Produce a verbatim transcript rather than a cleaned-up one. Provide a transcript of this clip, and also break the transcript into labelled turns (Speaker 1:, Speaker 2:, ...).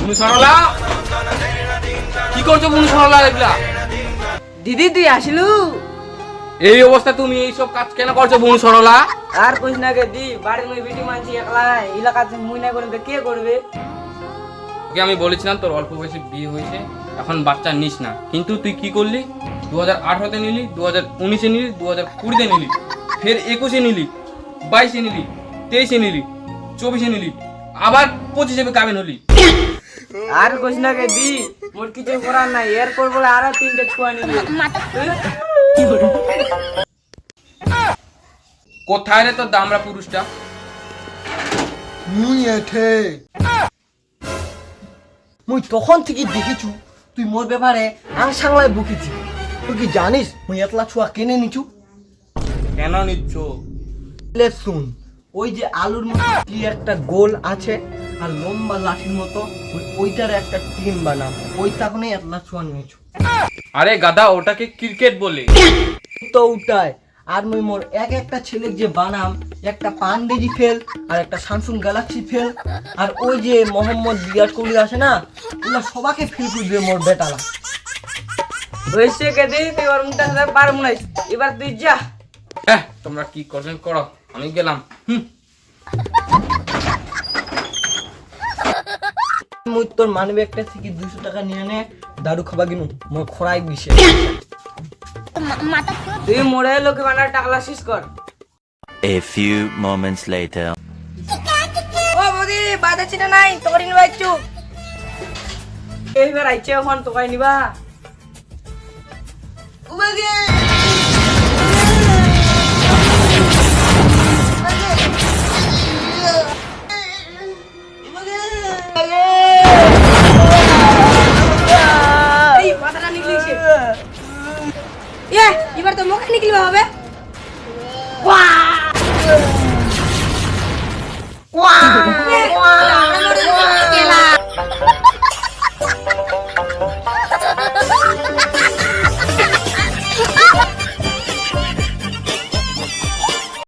Speaker 1: বুনু সরলা কি করছো বুনু সরলা এগুলা?
Speaker 2: দিদি তুই আসলু?
Speaker 1: এই অবস্থা তুমি এই সব কাজ কেন করছো বুনু সরলা?
Speaker 2: আর কইস না গে দি, বাড়ির মই বিটি মানছি একলা, এলাকাতে মুই না করবে কে করবে?
Speaker 1: ওকে আমি বলেছিলাম তোর অল্প বয়সে বিয়ে হয়েছে, এখন বাচ্চা নিস না, কিন্তু তুই কি করলি? দু হাজার আঠারোতে নিলি, দু হাজার উনিশে নিলি, দু হাজার কুড়িতে নিলি, ফের একুশে নিলি, বাইশে নিলি, তেইশে নিলি, চব্বিশে নিলি, আবার পঁচিশে কাবিন হলি।
Speaker 2: আর কইস না গে দি, মোর কিছু করার নাই, এরপর বলে আরো তিনটে ছুয়া নিবি।
Speaker 1: কোথায় রে তোর দামরা পুরুষটা?
Speaker 3: মুই এঠে মুই তখন থেকে দেখেছু তুই মোর ব্যাপারে আং সাংলায় বকিছি। তুই কি জানিস মুই এতলা ছুয়া কেনে নিচু?
Speaker 1: কেন নিচ্ছ?
Speaker 3: লে শুন, ওই যে আলুর মতো কি একটা গোল আছে আর লম্বা লাঠির মতো, ওই ওইটার একটা টিম বানাম, ওই তখনই এতলা ছুয়া নিয়েছু।
Speaker 1: আরে গাদা, ওটাকে ক্রিকেট বলে।
Speaker 3: তো ওটাই। আর মুই মোর এক একটা ছেলের যে বানাম, একটা পান্ডেজি ফেল আর একটা স্যামসুং গ্যালাক্সি ফেল, আর ওই যে মোহাম্মদ বিরাট কোহলি আছে না, ওগুলা সবাকে ফেল করে দিয়ে মোর বেটালা।
Speaker 2: হইছে গে দি, তুই ওর মুখটা সাথে পারব না, এবার তুই যা।
Speaker 1: হ্যাঁ, তোমরা কি করবেন করো, আমি গেলাম। হুম।
Speaker 3: মুই তোর মানি ব্যাগটা থেকে দুশো টাকা নিয়ে নে, দারু খাবা গিনু, মোর খোরাই বিষে।
Speaker 2: তুই মোড়ে লোকে বানার টাকলা শেষ কর।
Speaker 4: A few moments later.
Speaker 2: ও বৌদি, বাধা ছিল নাই, তোর নিবা একটু। এইবার আইছে এখন তোকাই নিবা। এই বাধাটা নিকলিছে। এ, এবার তো মুখে নিকলিবা হবে।